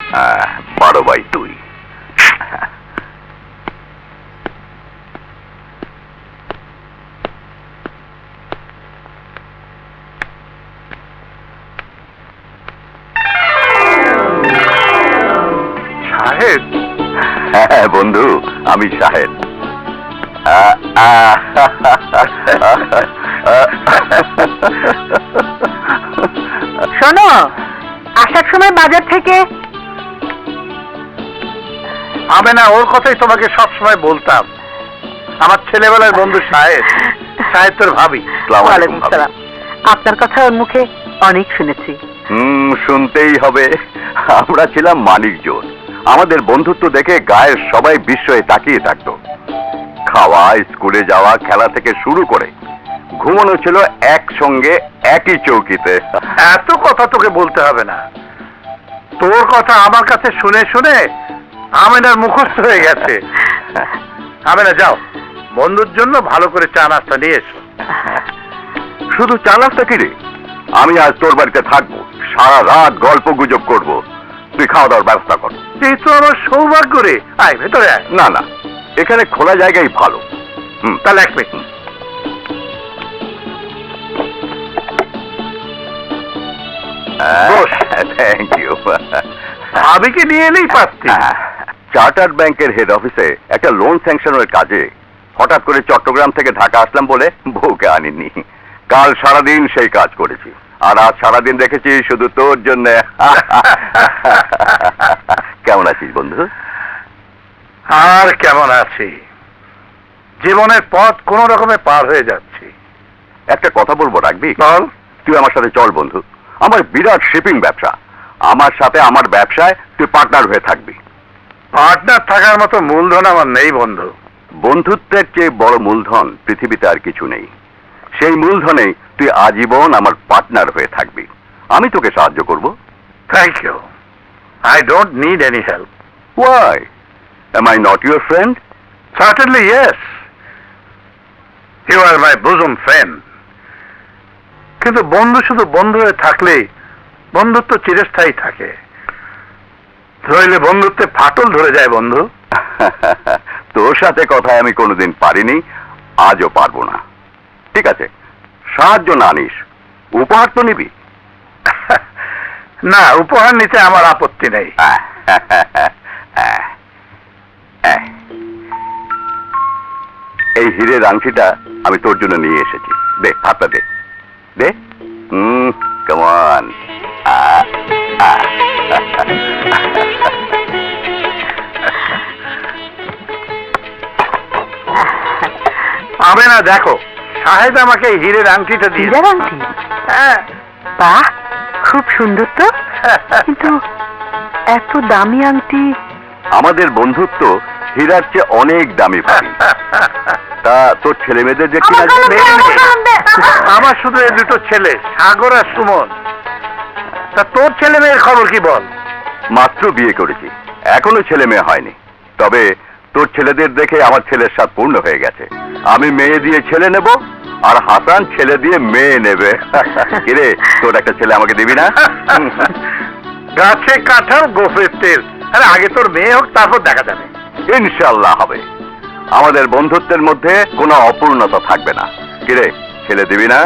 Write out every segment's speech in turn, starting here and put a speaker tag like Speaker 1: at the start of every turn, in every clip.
Speaker 1: 12/2।
Speaker 2: সাহেব?
Speaker 1: হ্যাঁ বন্ধু, আমি সাহেব।
Speaker 3: শোনো, আসার সময় বাজার থেকে
Speaker 2: আমি না ওর কথাই তোমাকে সবসময় বলতাম। আমার ছেলেবেলার বন্ধু সাহেব। সাহেব তোর ভাবি।
Speaker 3: ওয়ালাইকুম সালাম। আপনার কথা ওর মুখে অনেক শুনেছি।
Speaker 1: শুনতেই হবে। আমরা ছিলাম মানিকজন। আমাদের বন্ধুত্ব দেখে গায়ের সবাই বিস্ময়ে তাকিয়ে থাকতো। খাওয়া, স্কুলে যাওয়া, খেলা থেকে শুরু করে ঘুমানো ছিল একসঙ্গে একই চৌকিতে।
Speaker 2: এত কথা তোকে বলতে হবে না। তোর কথা আমার কাছে শুনে শুনে আমেনার মুখস্থ হয়ে গেছে। আমেনা যাও, বন্ধুর জন্য ভালো করে চা নাস্তা নিয়ে এসো।
Speaker 1: শুধু চা নাস্তা কি রে? আমি আজ তোর বাড়িতে থাকবো, সারা রাত গল্প গুজব করবো। তুই খাওয়া দাওয়ার ব্যবস্থা কর।
Speaker 2: এই তো আমার সৌভাগ্য রে। আয় ভেতরে আয়।
Speaker 1: না না, এখানে খোলা জায়গাই ভালো।
Speaker 2: তাহলে এক মিনিট।
Speaker 1: Thank you.
Speaker 2: ভাবিকে নিয়ে এলেই পারতি।
Speaker 1: চার্টার্ড ব্যাংকের হেড অফিসে একটা লোন স্যাংশনের কাজে হঠাৎ করে চট্টগ্রাম থেকে ঢাকা আসলাম বলে বউকে আনিনি। কাল সারাদিন সেই কাজ করেছি, আর আজ সারাদিন দেখেছি শুধু তোর জন্য। কেমন আছিস বন্ধু?
Speaker 2: আর কেমন আছি, জীবনের পথ কোন রকমে পার হয়ে যাচ্ছি।
Speaker 1: একটা কথা বলবো, রাখবি?
Speaker 2: বল।
Speaker 1: তুই আমার সাথে চল বন্ধু। আমার বিরাট শিপিং ব্যবসা। আমার সাথে আমার ব্যবসায় তুই পার্টনার হয়ে থাকবি।
Speaker 2: পার্টনার থাকার মতো মূলধন আমার নেই বন্ধু।
Speaker 1: বন্ধুত্বের চেয়ে বড় মূলধন পৃথিবীতে আর কিছু নেই। সেই মূলধনে তুই আজীবন আমার পার্টনার হয়ে থাকবি। আমি তোকে সাহায্য করব।
Speaker 2: Thank you. I don't need any help.
Speaker 1: Why? Am I not your friend?
Speaker 2: Certainly yes. You are my bosom friend. কিন্তু বন্ধু শুধু বন্ধু হয়ে থাকলে বন্ধুত্ব চিরস্থায়ী থাকে, নইলে বন্ধুত্বে ফাটল ধরে যায় বন্ধু।
Speaker 1: তোর সাথে কথায় আমি কোনোদিন পারিনি, আজও পারবো না। ঠিক আছে, সাহায্য না নিস, উপহার তো নিবি।
Speaker 2: না, উপহার নিতে আমার আপত্তি নেই।
Speaker 1: এই হীরের আংটিটা আমি তোর জন্য নিয়ে এসেছি। দে, হাতটা দে দে। কেমন?
Speaker 2: আমি না, দেখো সাহেব আমাকে এই হীরের আংটিটা দিয়ে।
Speaker 3: হীরের আংটি?
Speaker 2: হ্যাঁ।
Speaker 3: বাহ, খুব সুন্দর তো। কিন্তু এত দামি আংটি?
Speaker 1: আমাদের বন্ধুত্ব হীরার চেয়ে অনেক দামি ভাবি। তা তোর ছেলে মেয়েদের যে কিনা
Speaker 2: আমার শুধু এই দুটো ছেলে, সাগর আর সুমন। তা তোর ছেলে মেয়ের খবর কি বল?
Speaker 1: মাত্র বিয়ে করেছি, এখনো ছেলে মেয়ে হয়নি। তবে তোর ছেলেদের দেখে আমার ছেলের স্বাদ পূর্ণ হয়ে গেছে। আমি মেয়ে দিয়ে ছেলে নেব, আর হাসান ছেলে দিয়ে মেয়ে নেবে। কিরে, তোর একটা ছেলে আমাকে দিবি না?
Speaker 2: গাছে কাঁঠাল গোফের তেল। আরে আগে তোর মেয়ে হোক, তারপর দেখা যাবে।
Speaker 1: ইনশাল্লাহ হবে। আমাদের বন্ধুত্বের মধ্যে কোনো অপূর্ণতা থাকবে না। কিরে, ছেলে দিবি না?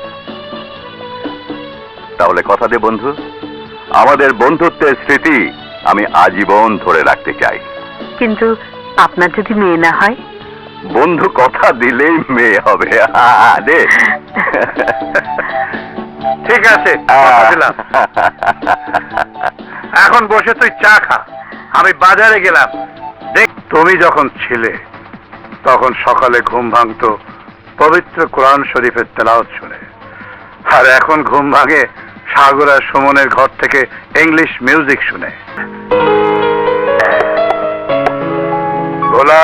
Speaker 1: তাহলে কথা দে বন্ধু, আমাদের বন্ধুত্বের স্মৃতি আমি আজীবন ধরে রাখতে চাই।
Speaker 3: কিন্তু আপনার যদি মেয়ে না হয়?
Speaker 1: বন্ধু কথা দিলেই মেয়ে হবে। দে।
Speaker 2: ঠিক আছে, কথা দিলাম। এখন বসে তুই চা খা, আমি বাজারে গেলাম। দেখ, তুমি যখন ছিলে তখন সকালে ঘুম ভাঙতো পবিত্র কোরআন শরীফের তেলাওয়াত শুনে, আর এখন ঘুম ভাঙে সাগর আর সুমনের ঘর থেকে ইংলিশ মিউজিক শুনে। ভোলা,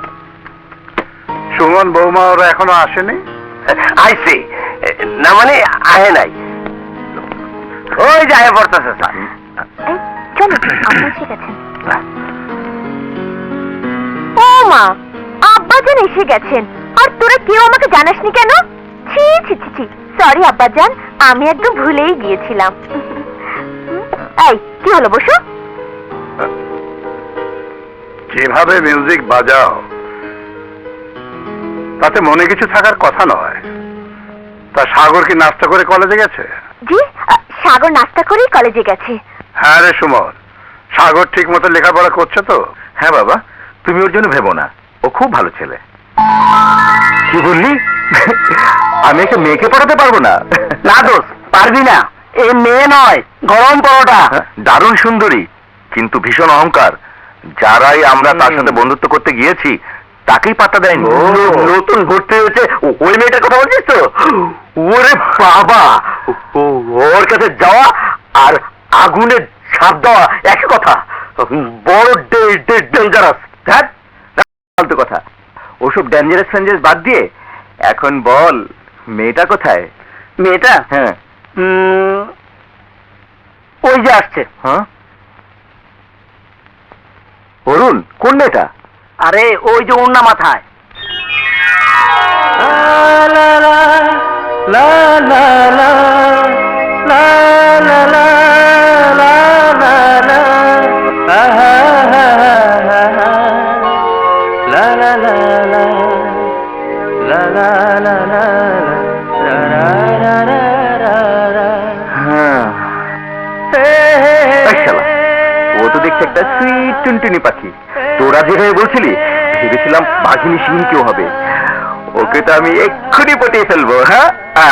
Speaker 2: সুমন বৌমা ওরা এখনো আসেনি?
Speaker 4: আইসি না, মানে আহে নাই। ওই যে আহে পড়তেছে স্যার।
Speaker 5: চলো, আব্বা এসে গেছেন। ও মা, আব্বাজান এসে গেছেন, আর তোরা কেউ আমাকে জানাসনি কেন? ছি ছি ছি ছি, সরি আব্বাজান, আমি একদম ভুলেই গিয়েছিলাম। এই কি হলো, বসো।
Speaker 2: যেভাবে মিউজিক বাজাও তাতে মনে কিছু থাকার কথা নয়। তা সাগর কি নাস্তা করে কলেজে গেছে?
Speaker 5: জি, সাগর নাস্তা করেই কলেজে গেছে।
Speaker 2: হ্যাঁ রে সুমন, সাগর ঠিক মতো লেখাপড়া করছে তো?
Speaker 1: হ্যাঁ বাবা, তুমি ওর জন্য ভেবো না, ও খুব ভালো ছেলে। কি বললি? আমি একটা মেয়েকে পড়াতে পারবো না?
Speaker 4: না দোস্ত, পারবি না। এ মেয়ে নয়, গরম পরোটা।
Speaker 1: দারুণ সুন্দরী, কিন্তু ভীষণ অহংকার। যারাই আমরা তার সাথে বন্ধুত্ব করতে গিয়েছি তাকেই পাত্তা দেয়নি।
Speaker 4: নতুন ভর্তি হয়েছে ওই মেয়েটার কথা বলছিস তো? ওরে বাবা, ওর কাছে যাওয়া আর আগুনে ছাপ দেওয়া একই কথা। বড় ডেঞ্জারাস।
Speaker 1: ফালতু কথা, ওসব ডেঞ্জারাস ফেঞ্জারাস বাদ দিয়ে এখন বল মেয়েটা কোথায়?
Speaker 4: মেয়েটা
Speaker 1: হ্যাঁ।
Speaker 4: ওই যে আসছে।
Speaker 1: হ্যাঁ, অরুণ, কোন মেয়েটা?
Speaker 4: আরে ওই যে ওর না মাথায়।
Speaker 1: হ্যাঁ, এই শালা, ও তো দেখছে একটা সুইট টুনটুনি পাখি। তোরা যেভাবে বলছিলি ভেবেছিলাম বাঘিনী সিং কেউ হবে। ওকে তো আমি এক্ষুনি পটিয়ে ফেলবো। হ্যাঁ,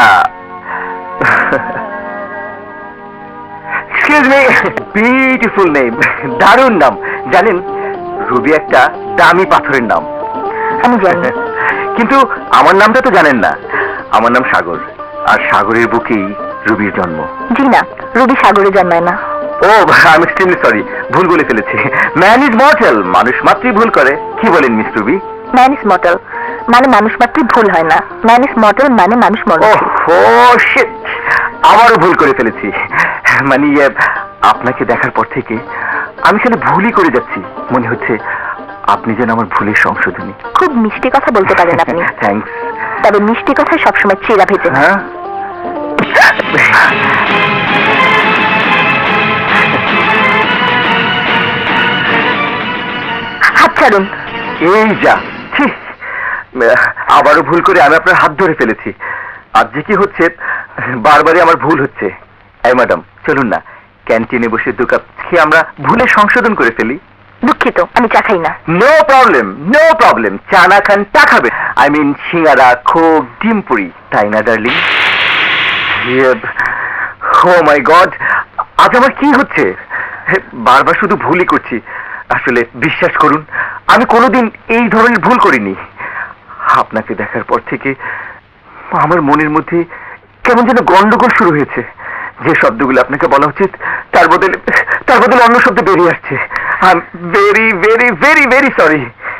Speaker 1: এক্সকিউজ মি, বিউটিফুল নেম, দারুণ নাম। জানেন, রুবি একটা দামি পাথরের নাম।
Speaker 3: আমি জানি।
Speaker 1: কিন্তু আমার নামটা তো জানেন না। আমার নাম সাগর, আর সাগরের বুকেই রুবির জন্ম।
Speaker 3: জি না, রুবি সাগরে জন্মায় না।
Speaker 1: ও, আই এম এক্সট্রিমলি সরি, ভুল বলে ফেলেছি। ম্যান ইজ মর্টাল, মানুষ মাত্রই ভুল করে। কি বলেন miss Ruby?
Speaker 3: Man is mortal মানে মানুষ মাত্রই ভুল হয় না, ম্যান ইজ মর্টাল মানে মানুষ মরে।
Speaker 1: ও শিট, আবারও ভুল করে ফেলেছি। মানে আপনাকে দেখার পর থেকে আমি খালি ভুলই করে যাচ্ছি। মনে হচ্ছে আপনি যেন আমার ভুলের সংশোধনী।
Speaker 3: খুব মিষ্টি কথা বলতে পারেন আপনি।
Speaker 1: থ্যাঙ্কস।
Speaker 3: তবে মিষ্টি কথায় সবসময় চেরা ভেজে না।
Speaker 1: হ্যাঁ,
Speaker 3: হাত ছাড়ুন।
Speaker 1: এই যা, ছি, আবারও ভুল করে আমি আপনার হাত ধরে ফেলেছি। আজ যে কি হচ্ছে, বারবারই আমার ভুল হচ্ছে। এই ম্যাডাম, চলুন না, ক্যান্টিনে বসে 2 কাপ খেয়ে আমরা ভুলে সংশোধন করে ফেলি।
Speaker 3: দুঃখিত, আমি চা খাই না।
Speaker 1: No problem, no problem. চা না খান, টা খাবে। আই মিন সিঙ্গারা, খোক, ডিম পুরি, তাই না ডার্লিং? ও মাই গড, আজ আমার কি হচ্ছে? বারবার শুধু ভুলই করছি। আসলে বিশ্বাস করুন, আমি কোনোদিন এই ধরনের ভুল করিনি। আপনাকে দেখার পর থেকে আমার মনের মধ্যে কেমন যেন গন্ডগোল শুরু হয়েছে। যে শব্দগুলো আপনাকে বলা উচিত তার বদলে অন্য শব্দ বেরিয়ে আসছে। I am very very very very sorry.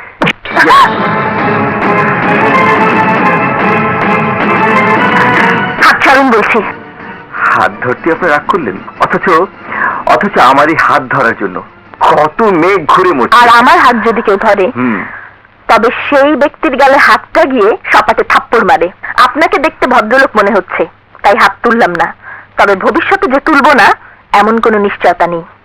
Speaker 3: হাত ছাড়ুন বলছি।
Speaker 1: হাত ধরতে আপনি রাগ করলেন, অথচ আমারই হাত ধরার জন্য কত মেঘ ঘুরে
Speaker 3: আর
Speaker 1: মরছে।
Speaker 3: আমার হাত যদি কেউ ধরে, তবে সেই ব্যক্তির গালে হাতটা গিয়ে সপাটে থাপ্পড় মারে। আপনাকে দেখতে ভদ্রলোক মনে হচ্ছে, তাই হাত তুললাম না। তবে ভবিষ্যতে যে তুলবো না এমন কোনো নিশ্চয়তা নেই।